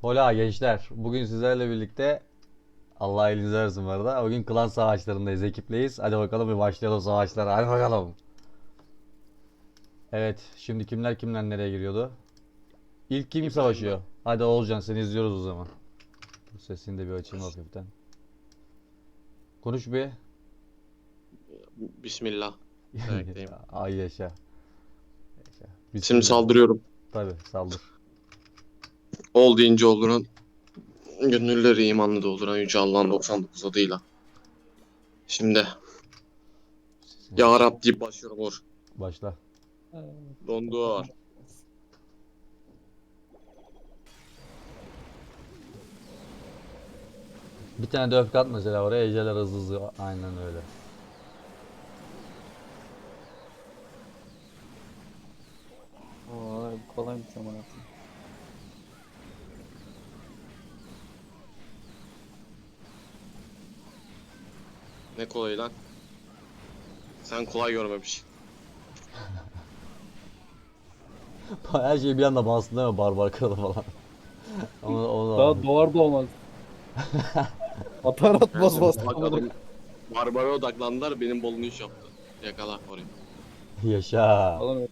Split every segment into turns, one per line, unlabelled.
Hola gençler. Bugün sizlerle birlikte Allah elinizi versin bu arada. Bugün klan savaşlarındayız, ekipleyiz. Hadi bakalım bir başlayalım savaşlara. Hadi bakalım. Evet, şimdi kimler kimler nereye giriyordu? İlk kim
İbrahim
savaşıyor?
ben.
Hadi Oğulcan seni izliyoruz o zaman. Bu sesini de bir açayım hafiften. Konuş bir.
Bismillah demekteyim.
Ay yaşa. Yaşa.
Şimdi
Bismillah.
saldırıyorum.
Tabi saldır.
Ol deyince olduran, gönülleri imanlı dolduran Yüce Allah'ın 99 adıyla. Şimdi
Sesini
Ya
kıs.
Rab deyip başlıyorum Uğur.
Başla.
Dondu.
Bir tane de öfke at mesela oraya. Ejderler hızlı hızlı. Aynen öyle.
Vay bu kolaymış ama yapayım.
Ne kolay lan. Sen kolay görmemiş.
Her şey bir anda bastın değil mi? Barbar kralı falan. Onu
Daha doğar doğmaz. Atar atmaz bastı
Bak
amına.
adam Barbara odaklandılar, benim bolunu iş yaptı. Yakala orayı.
yaşa.
Falan öyle.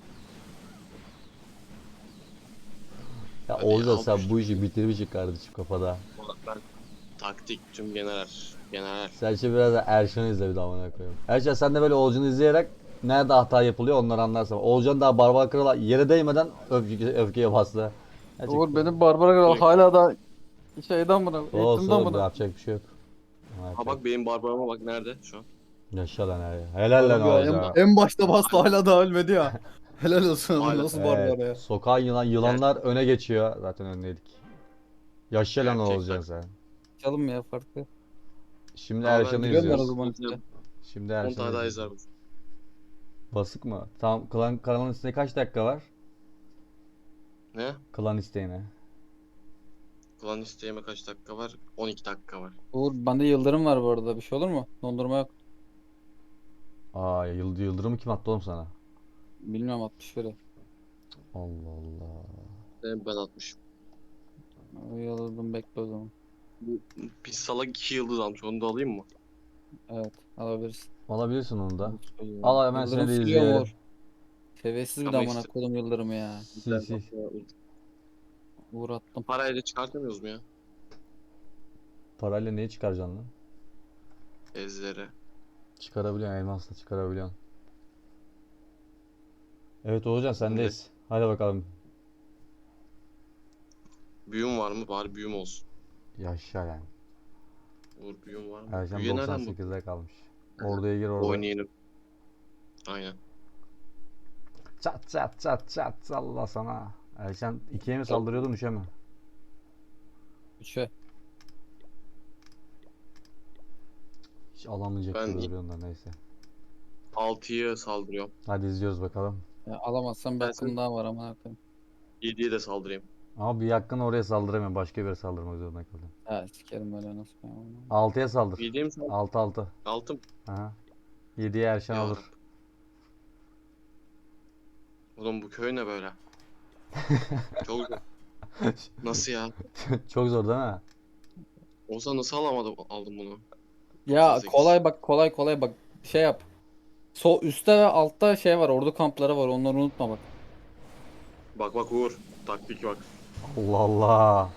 Ya
Hadi
Oğuzhan
al bu
sen
işi.
bu işi bitirmişsin kardeşim kafada.
Ben taktik tüm general. General.
Sen şimdi biraz da Erşan'ı izle bir daha amına koyayım. Erşan sen de böyle Oğuzhan'ı izleyerek nerede hata yapılıyor onları anlarsın. Oğuzhan daha barbar krala yere değmeden öfkeye bastı.
Uğur
Gerçekten.
benim Barbara Kral
Direkt.
hala da şeyden buna,
Olsun
eğitimden
oğlum
buna.
yapacak bir şey yok.
Ha
Yapacak.
bak benim Barbara'ma bak nerede şu an.
Yaşa lan her. Helal lan
Harbi ya, en,
Oğuzhan.
en başta bastı hala da ölmedi ya. Helal olsun ama
Hala.
nasıl
Evet.
Barbara ya.
Sokağın yılanlar öne geçiyor. Zaten öndeydik. Yaşa lan
Gerçekten.
Oğuzhan sen.
Çalım ya farklı.
Şimdi
Ama ben
Erşan'ı
Giriyorum ben o
izliyoruz.
zaman işte.
Şimdi
10
Erşan'ı
tane daha
izliyoruz.
izler.
Basık mı? Tamam kanalın üstünde kaç dakika var?
Ne?
Klan isteğine.
Klan isteğime kaç dakika var? 12 dakika var.
Uğur bende yıldırım var bu arada, bir şey olur mu? Dondurma yok.
Aa yıldırımı kim attı oğlum sana?
Bilmiyorum, 60 lira.
Allah Allah.
Ben atmışım.
Yıldırım, bekle o zaman.
Bir salak 2 yıldız almış. Onu da alayım mı?
Evet, alabilirsin.
Alabilirsin onu da.
Yıldırım
Al hemen seni
Yıldırım
de
sürüyor mu
izleyelim.
Uğur? Seviyesiz bir de
Ama
amına
işte
koydum yıldırımı ya.
Sil sil.
Uğur attım.
parayla çıkartamıyoruz mu ya?
Parayla neyi çıkaracaksın lan?
Ezlere.
Çıkarabiliyorsun elmasla çıkarabiliyorsun. Evet Oğuzcan
Şimdi
sendeyiz. Hadi bakalım.
büyüm var mı? Bari büyüm olsun.
Yaşa lan.
Uğur büyüm var mı?
Erşan
Büyüye nereden bak?
98'de kalmış. Orduya gir orada.
Oynayalım. Aynen.
Çat çat çat çat salla sana. Erşan ikiye mi
O-
saldırıyordun üçe mi?
3'e.
Hiç alamayacak
Ben
gibi duruyorsun da neyse.
6'ya saldırıyorum.
Hadi izliyoruz bakalım.
Ya alamazsam bir
Ben
hakkım
sen
daha var ama koyayım.
7'ye de saldırayım.
Ama bir yakın oraya saldıramıyorum. Başka bir yere saldırmak zorunda kaldım.
Ha sikerim böyle nasıl ya.
6'ya saldır.
7'ye mi saldır?
6 6.
6 mı?
Aha. 7'ye Erşan
Ya
alır.
Rab. Oğlum bu köy ne böyle? Çok zor. Nasıl ya?
Çok zor değil mi?
Olsa nasıl aldım bunu?
Ya
98.
kolay bak, kolay kolay bak, şey yap. Sol üstte ve altta şey var, ordu kampları var, onları unutma bak.
Bak bak Uğur. Taktik bak.
Allah Allah.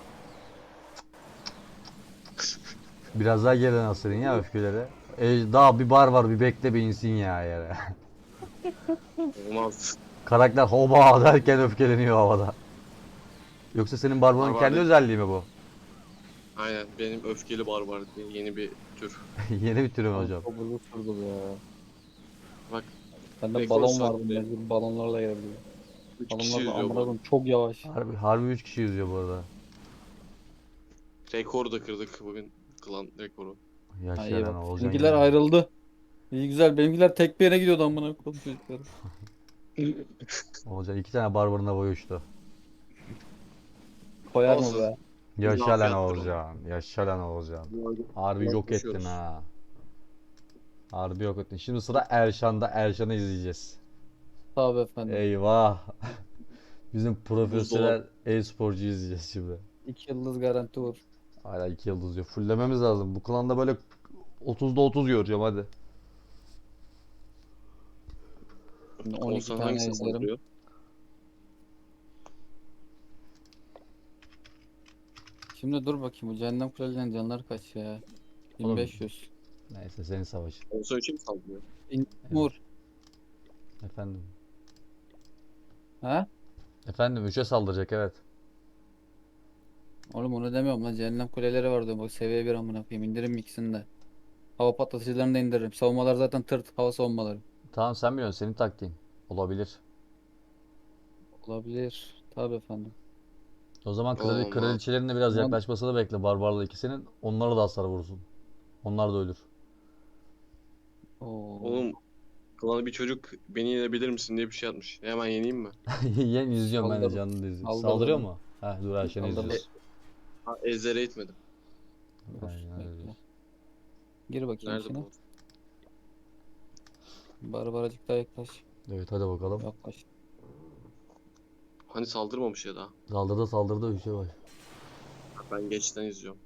Biraz daha geriden asırın ya öfkeleri. Daha bir bar var bir bekle bir insin ya yere.
Olmaz.
Karakter hoba derken öfkeleniyor havada. Yoksa senin barbarın
Barbar
kendi
değil.
özelliği mi bu?
Aynen. Benim öfkeli barbar diye yeni bir tür.
Yeni bir türüm
Abi
hocam.
çok uzun sürdü bu ya.
Bak
Bende
rekor
balon vardı,
saatte
mecbur balonlarla gelebiliyor.
3 kişi
Balonlar da
yüzüyor
amına
bu arada.
koyayım çok yavaş.
Harbi 3 kişi yüzüyor bu arada.
Rekoru da kırdık bugün. Klan rekoru.
Ha
Yaşa
iyi
lan
bak.
Oğuzcan
Benimkiler
yine.
ayrıldı. İyi güzel, benimkiler tek bir yere gidiyordu amına koyayım çocukları.
Oğuzcan 2 tane barbarına boy uçtu.
Koyar mı
Olsun.
be?
Yaşa
İzafi
lan
attır onu.
Oğuzcan. Yaşa lan Oğuzcan. Harbi
Biraz
yok ettin
koşuyoruz.
ha. Harbi yok ettin. Şimdi sıra Erşan'da. Erşan'ı izleyeceğiz.
Tabii efendim.
Eyvah. Bizim
Buzdolabı.
profesyonel e-sporcu izleyeceğiz şimdi.
2 yıldız garanti vur.
Hala 2 yıldız diyor. Fullememiz lazım. Bu klanda böyle 30'da 30 göreceğim hadi.
Şimdi 12
Olsan
tane
hangisini
ejderim.
saldırıyor?
Şimdi dur bakayım, bu cehennem kulelerin canları kaç ya?
Oğlum.
1500.
Neyse senin savaşın.
Olsan 3'e mi saldırıyor?
Vur.
Efendim.
Ha?
Efendim 3'e saldıracak evet.
Oğlum onu demiyorum lan, cehennem kuleleri var diyorum. Bak seviye 1 amına koyayım, indiririm ikisini de. Hava patlatıcılarını da indiririm. Savunmalar zaten tırt hava savunmaları.
Tamam sen biliyorsun senin taktiğin. Olabilir.
Olabilir. Tabii efendim.
O zaman
Olmaz.
kraliçelerin de biraz
Ulan
yaklaşmasını bekle barbarla ikisinin. Onlara da hasar vursun. Onlar da ölür.
Oo.
Oğlum klana bir çocuk beni yenebilir misin diye bir şey atmış. Hemen yeneyim mi?
Yen izliyorum ben de
Saldırdı.
canlı izliyorum.
Saldırdı
Saldırıyor
mı?
mu? Ha dur Ayşen'i
Saldırdı.
izliyoruz.
Ha, Ezder'e itmedim.
Dur,
Aynen öyle
bekle.
diyoruz.
Gir bakayım
Nerede
içine.
bu?
Barbaracık daha yaklaş.
Evet hadi bakalım.
Yaklaş.
Hani saldırmamış ya daha.
Saldırdı bir şey var.
Ben geçten izliyorum.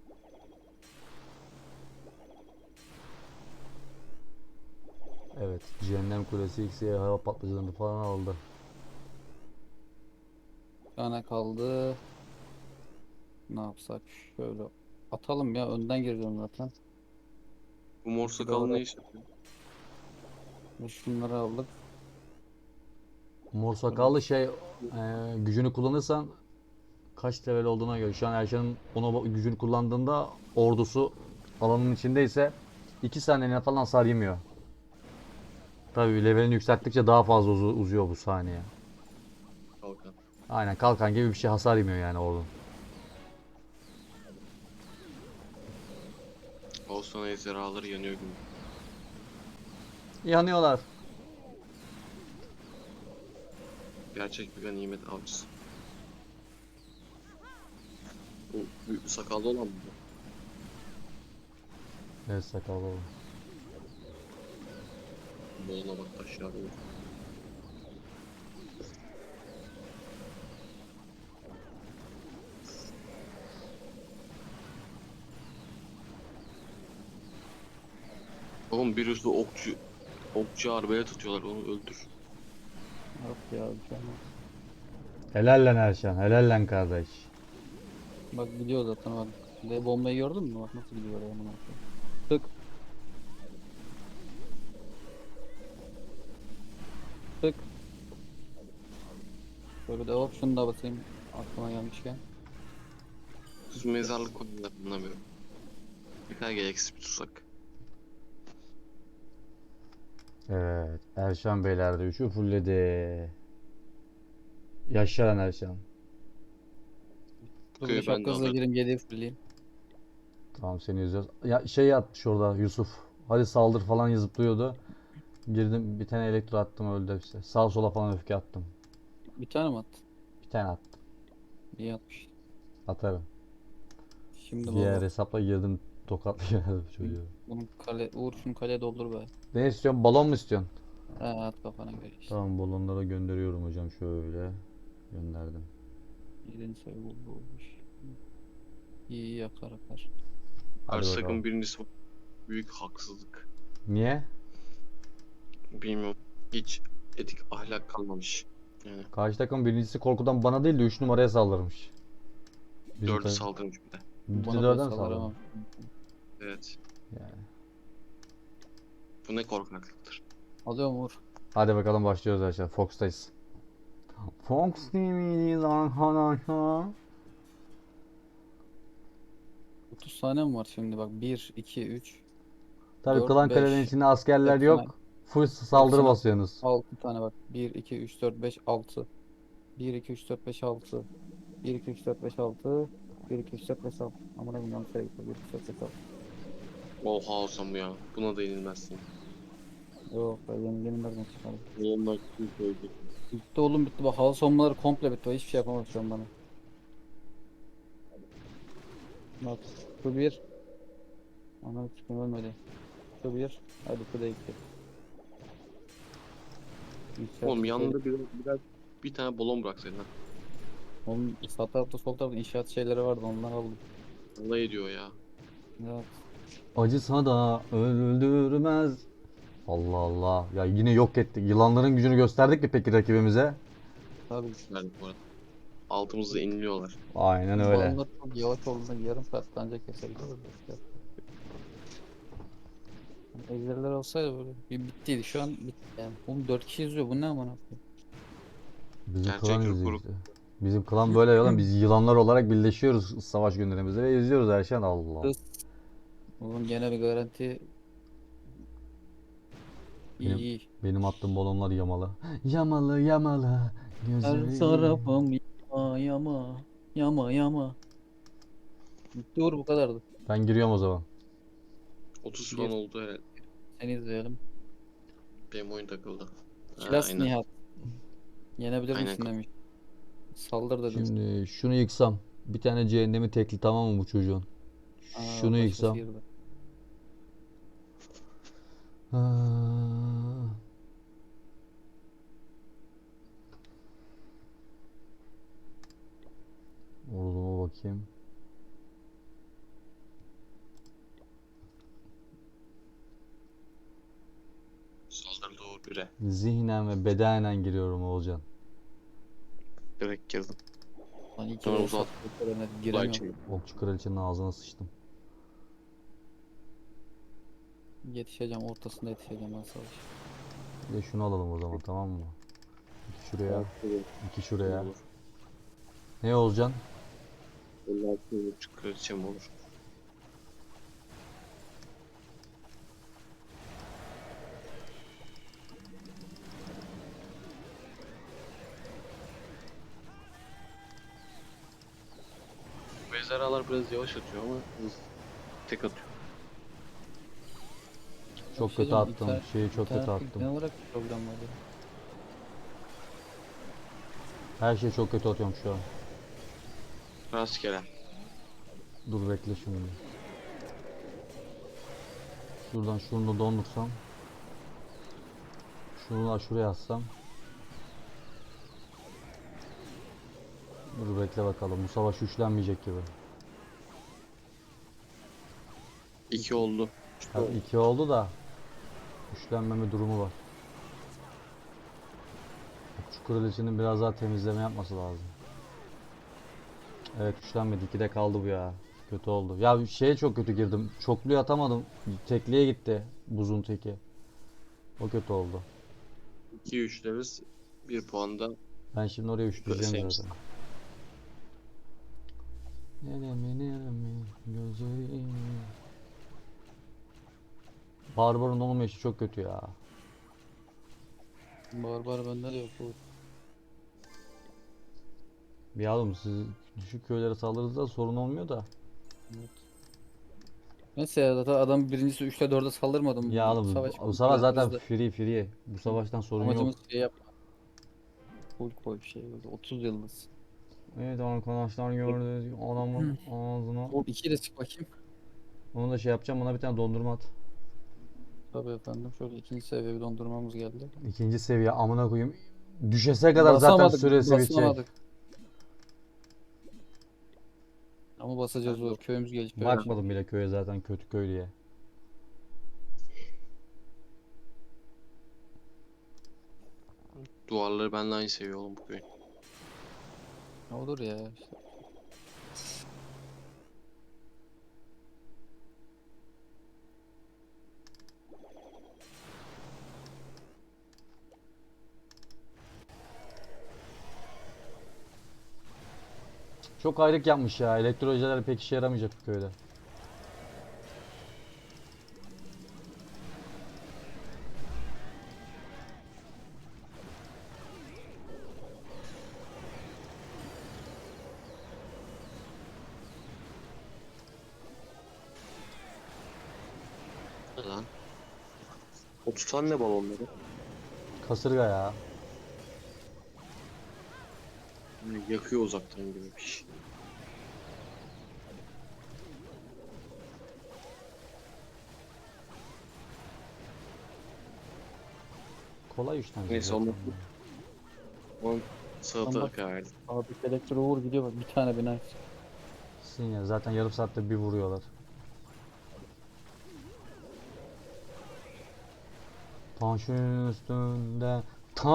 Evet Cehennem Kulesi X'ye hava patlıcılarını falan aldı.
Bir tane kaldı. Ne yapsak? Şöyle atalım ya. Önden gireceğim zaten.
Bu mor
İki
sakal
doğru.
ne iş yapıyor?
Ve şunları aldık.
Mor sakallı şey gücünü kullanırsan kaç level olduğuna göre. Şu an Erşan'ın ona gücünü kullandığında ordusu alanın içindeyse 2 saniyene falan hasar yemiyor. Tabii levelini yükselttikçe daha fazla uzuyor bu saniye.
Kalkan.
Aynen kalkan gibi bir şey hasar yemiyor yani ordunun.
Olsan ejderhaları yanıyor gibi.
Yanıyorlar.
Gerçek bir ganimet avcısı. Bu büyük sakallı olan mı?
Evet sakallı oğlum.
Boluna bak taşlar. Oğlum bir üstü okçu arbele tutuyorlar, onu öldür.
Yok ya, bir şey olmaz.
Helal lan Erşan. Helal lan kardeş.
Bak gidiyor zaten bak. Şimdi bombayı gördün mü? Bak nasıl gidiyor oraya amına koyayım. Tık. Tık. Böyle de hop şunu da basayım. Aklıma gelmişken.
Düz mezarlık konuları anlamıyorum. Bir tane gereksiz bir tuzak.
Evet. Erşan Beyler de 3'ü fullledi. Yaşa lan Erşan.
Dur bir de
Köyü ben de
şapkasıyla
alırım.
gireyim 7'yi fulleyim.
Tamam seni izliyoruz. Ya şey yapmış orada Yusuf. Hadi saldır falan yazıp duruyordu. Girdim bir tane elektro attım öldü hepsi. Sağa sola falan öfke attım.
Bir tane mi attın?
Bir tane attım.
İyi atmış.
Atarım.
Şimdi
Diğer
baba.
hesapla girdim tokatlayamadım çocuğu.
Bunun kale, Uğur şunu kaleye doldur be.
Ne istiyorsun? Balon mu istiyorsun?
Ha, at kafana göre işte.
Tamam balonları gönderiyorum hocam şöyle. Gönderdim.
7. sayı olmuş. İyi iyi yakar akar.
Hadi
Karşı
bakalım.
takım birincisi büyük haksızlık.
Niye?
Bilmiyorum. Hiç etik ahlak kalmamış. Yani
Karşı takım birincisi korkudan bana değil de 3 numaraya saldırmış. Bizim
4'ü
takım.
saldırmış bir de.
Bir de
Bana
4'e mi
bassalar
saldırmış?
ama.
Evet.
Yani.
Bu ne korkaklıktır.
Alıyorum Uğur.
Hadi bakalım başlıyoruz arkadaşlar. Fox'tayız. Fox TV'deyiz arkadaşlar.
30 saniye mi var şimdi bak, 1, 2, 3,
Tabii
4,
klan kalenin
5.
içinde askerler
Hepsine,
yok. Full saldırı
hepsine
basıyorsunuz.
6 tane bak. 1, 2, 3, 4, 5, 6. 1, 2, 3, 4, 5, 6. 1, 2, 3, 4, 5, 6. 1, 2, 3, 4, 5, 6. Amına koyayım yanlış yere gitti. 1, 2, 3, 4, 5, 6.
Oha olsam bu ya. Buna da yenilmezsin.
Yok ben yeni nereden çıkardım.
Ondan kim koydu?
Bitti oğlum, bitti. Bak hava savunmaları komple bitti. Hiçbir şey yapamaz şu an bana. Bak şu bir. Anam çıkın ölmedi. Şu bir. Hadi şu da iki.
Oğlum
Yükselttik
yanında biraz bir tane balon bıraksaydın ha.
Onun sağ tarafta sol tarafta inşaat şeyleri vardı, onlar aldım.
Alay ediyor ya.
Evet.
Acısa da öldürmez. Allah Allah. Ya yine yok ettik. Yılanların gücünü gösterdik mi peki rakibimize?
Tabii.
Verdik bu arada. Altımızda inliyorlar.
Aynen
Bu
öyle.
balonlar çok yavaş olduğunda yarım saat ancak kesebiliriz de işte. Yani ejderler olsaydı böyle bir bittiydi. Şu an bitti yani. Oğlum 4 kişi izliyor. Bu ne aman koyayım.
Bizim klan
Gerçek
izliyor
rekoru.
işte. Bizim klan böyle yalan. Biz yılanlar olarak birleşiyoruz savaş günlerimizde ve izliyoruz her şeyi. Allah.
Kız. Oğlum gene bir garanti. İyi
Benim
iyi.
benim attığım balonlar yamalı. Yamalı yamalı
Her
gözlerim.
tarafım yama yama. Yama yama. Bitti Uğur, bu kadardı.
Ben giriyorum o zaman.
30 falan
Gir.
oldu herhalde.
Seni izleyelim.
Benim oyun takıldı. Ha,
Kilas
aynen.
Nihat. Yenebilir
Aynen.
misin demiş. Saldır dedim.
Şimdi şunu yıksam. Bir tane cehennemi tekli tamam mı bu çocuğun? Şunu
Aa, başkası
yıksam.
girdi.
Ha, orduma bakayım.
Saldırı doğru bire.
Zihnen ve bedenen giriyorum Oğulcan.
Direkt girdim.
Lan iyi ki
Sonra
de
uzat. Kolay
giremiyorum.
çevir.
Okçu kraliçenin ağzına sıçtım.
Yetişeceğim, ortasında yetişeceğim ben savaş.
Bir de şunu alalım o zaman tamam mı? İki şuraya, iki şuraya.
Olur.
Ne Oğulcan?
56,5 kraliçem olur. Ejderhalar biraz yavaş atıyor ama hız tek atıyor.
Çok kötü
Yetişeceğim,
attım. Şeyi çok kötü
internette
attım.
genel olarak bir problem var ya.
Her şeyi çok kötü atıyorum şu an.
Rastgele.
Dur bekle şimdi. Şuradan şunu da dondursam. Şunu da şuraya atsam. Dur bekle bakalım. Bu savaş güçlenmeyecek gibi.
2 oldu.
Tabii iki oldu da güçlenmeme durumu var. Okçu kraliçenin biraz daha temizleme yapması lazım. Evet güçlenmedi. 2'de kaldı bu ya. Kötü oldu. Ya şeye çok kötü girdim. Çokluyu atamadım. Tekliğe gitti. Buzun teki. O kötü oldu.
2 üçleriz. 1 puan da
Ben şimdi oraya üçleyeceğim
Sevmiş.
zaten. Neremi neremi gözlerimi. Barbarın olmayışı çok kötü ya.
Barbar bende de yok bu.
Bir oğlum siz düşük köylere saldırırsa sorun olmuyor da.
Evet. Neyse ya, zaten adam birincisi 3'te 4'e saldırmadım.
Ya oğlum
Savaş
bu savaş zaten
biz de
free. Bu savaştan sorun yok.
amacımız şey yapma. Full koy bir şey böyle 30 yıldız.
Evet arkadaşlar gördünüz adamın ağzına.
O 2'yi de çık bakayım.
Onu da şey yapacağım bana bir tane dondurma at.
Tabii efendim, şöyle ikinci seviye bir dondurmamız geldi.
İkinci seviye amına koyayım. Düşese kadar zaten süresi bitecek.
Basamadık. Ama basacağız, zor. Köyümüz gelişiyor.
Bakmadım bile köye zaten kötü köy diye.
duvarları benimle aynı seviye oğlum bu köyün.
Ne olur ya işte.
Çok ayrık yapmış ya. Elektrojeler pek işe yaramayacak bu köyde.
Ne lan? 30 tane ne balonları?
Kasırga ya.
Yani yakıyor uzaktan gibi bir şey.
Kolay işten
Neyse
zaten.
onu Sadaka verdim.
Abi elektro vur gidiyor bak, bir tane bina.
Sinyal zaten yarım saatte bir vuruyorlar. Taşın üstünde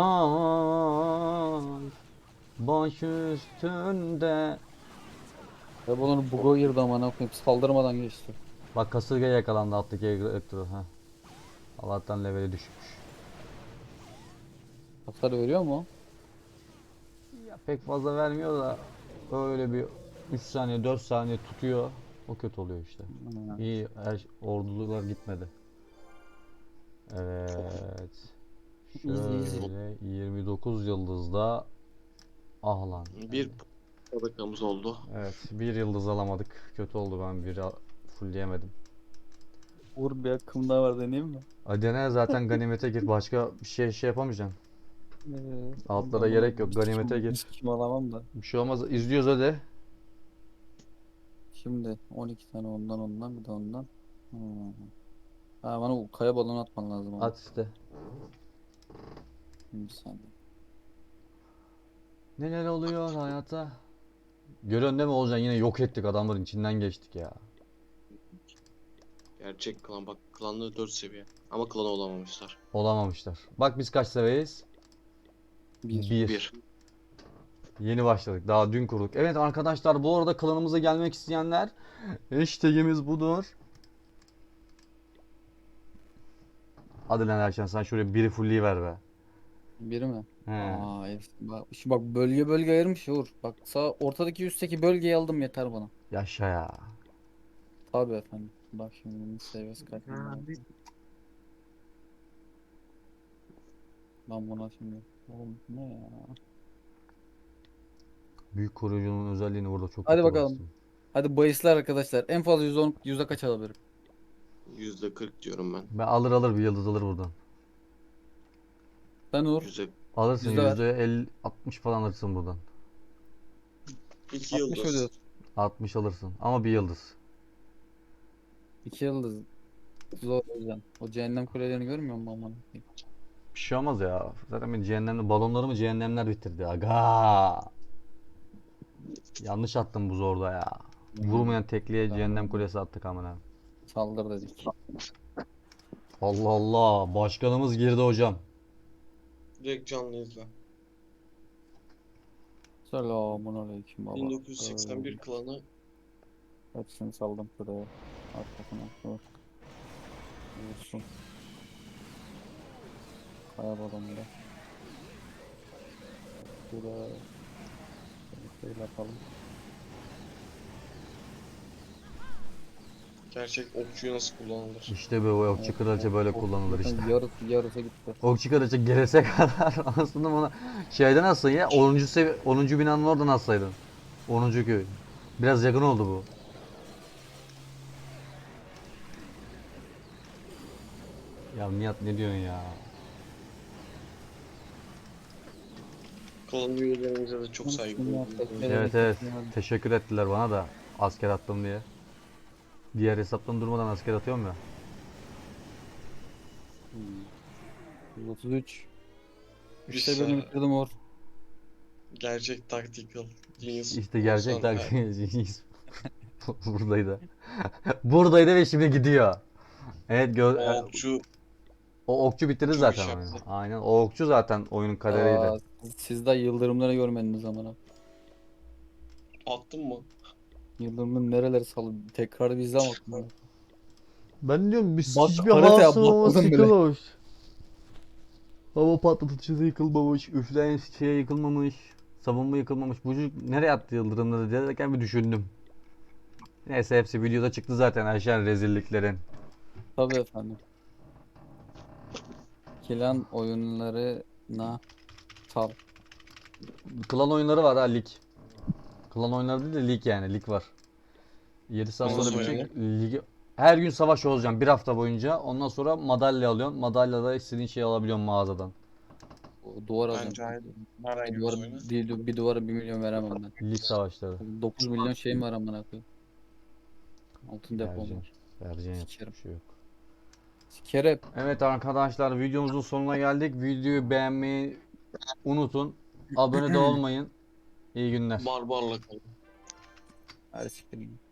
taş, baş üstünde.
Ya bunun buga girdi amına koyayım, saldırmadan geçti.
Bak kasırga yakalandı alttaki elektro. Heh. Allah'tan leveli düşmüş.
Hasar veriyor mu?
Ya pek fazla vermiyor da öyle bir 3 saniye 4 saniye tutuyor. O kötü oluyor işte.
Ha.
İyi ordular gitmedi. Evet.
Easy.
Şöyle 29 yıldızda ah lan.
Bir sadakamız oldu.
Evet, bir yıldız alamadık. Kötü oldu, ben bir fullleyemedim.
Vur, bir hakkım daha var, deneyeyim mi?
Adene zaten ganimete gir. Başka bir şey yapamayacaksın. Altlara
Amına
gerek yok.
koyayım,
Ganimete
bir
gir.
sikim alamam da.
Bir şey olmaz. İzliyoruz hadi.
Şimdi 12 tane ondan bir de ondan. Hmm. Ha, bana o kaya balonu atman lazım ama.
At işte.
Bir saniye.
Neler oluyor hayata? Görüyorsun değil mi Olcan? Yine yok ettik, adamların içinden geçtik ya.
Gerçek klan, bak klanlı 4 seviye. Ama klan olamamışlar.
Olamamışlar. Bak biz kaç seviyeyiz?
Bir.
1.
Yeni başladık. Daha dün kurduk. Evet arkadaşlar, bu arada klanımıza gelmek isteyenler, hashtagimiz budur. Hadi lan Erşen, sen şuraya biri fullleyiver be.
Biri mi?
He.
Aa, bak, şu bak bölge bölge ayırmış Uğur. Bak sağ ortadaki üstteki bölgeyi aldım, yeter bana.
Yaşa ya.
Tabii efendim. Bak şimdi bunun seviyesi kaç? Ben buna şimdi. Oğlum ne ya?
Büyük koruyucunun özelliğini burada çok
Hadi
kötü
bakalım.
bastım.
Hadi bahisler arkadaşlar. En fazla yüzde kaç alabilirim?
%40 diyorum ben.
Ben alır bir yıldız alır buradan.
Sen Uğur.
Yüzde
Alırsın
Yüzde ver.
%50 60 falan alırsın buradan.
2
60
yıldız.
ödüyorsun.
60 alırsın ama bir yıldız.
2 yıldız. Zor o yüzden. O cehennem kulelerini görmüyor musun aman?
Bir şey olmaz ya. Zaten benim cehennemli balonlarımı cehennemler bitirdi. Aga. Yanlış attım bu zorda ya. Vurmayan tekliğe cehennem
Tamam.
kulesi attık amına.
Saldır dedik.
Allah Allah. Başkanımız girdi hocam.
Direkt canlı izle.
Selamun aleyküm baba.
1981 klanı
Hepsini saldım şuraya. Arkasına. Dur. Vursun. Kaya balonunda. Şuraya. Şöyle yapalım.
gerçek okçuyu nasıl kullanılır?
İşte bu okçu kraliçe böyle kullanılır işte.
Yarısı gitti.
Okçu kraliçe gelese kadar aslında bana şeyden alsın ya, 10. binanın oradan alsaydın. 10. köy. Biraz yakın oldu bu. Ya Nihat ne diyorsun ya?
Klan üyelerimize de çok saygı duyuyorum.
Evet. Teşekkür ettiler bana da asker attım diye. Diğer hesaptan durmadan asker atıyorum ya.
33.
Bir
İşte birini
saniye.
bitirdim Uğur.
Gerçek tactical genius.
İşte gerçek
Olsan-
taktiğimiz buradaydı. Buradaydı ve şimdi gidiyor. Evet
O okçu
o okçu bitirdi
çok
zaten
iş
oyunu.
yaptı.
Aynen, o okçu zaten oyunun kaderiydi.
Aa, siz de yıldırımları görmediniz amına.
Attın mı?
Yıldırımın nereleri salı? Tekrar bir izle ama.
Ben diyorum biz
Bak,
hiçbir
haritaya
hava savunması
bakmadım bile.
yıkılmamış. Hava patlatıcısı yıkılmamış, üfleyen şey yıkılmamış, savunma yıkılmamış. Bu çocuk nereye attı yıldırımları derken bir düşündüm. Neyse hepsi videoda çıktı zaten Ayşen rezilliklerin.
Tabii efendim. Klan oyunlarına sal.
Klan oyunları var ha, lig. Klan oyunları değil de lig, yani lig var. 7 saat
Nasıl
sonra
oynanıyor?
bitecek ligi. Her gün savaş olacağım bir hafta boyunca. Ondan sonra madalya alıyorsun. Madalyada istediğin şeyi alabiliyorsun mağazadan.
O duvar alacağım.
Bence aynı. Var
Bir
aynı
duvara,
oyunu.
bir duvara 1 milyon veremem ben.
Lig savaşları.
9 milyon şeyim var amına koyayım. Altın depom
Vereceğim.
var.
Vereceğim, yapacak
Sikerim.
bir şey yok.
Sikerep.
Evet arkadaşlar, videomuzun sonuna geldik. Videoyu beğenmeyi unutun. abone de olmayın. İyi günler.
Barbarla kalın.
Hadi siktir git.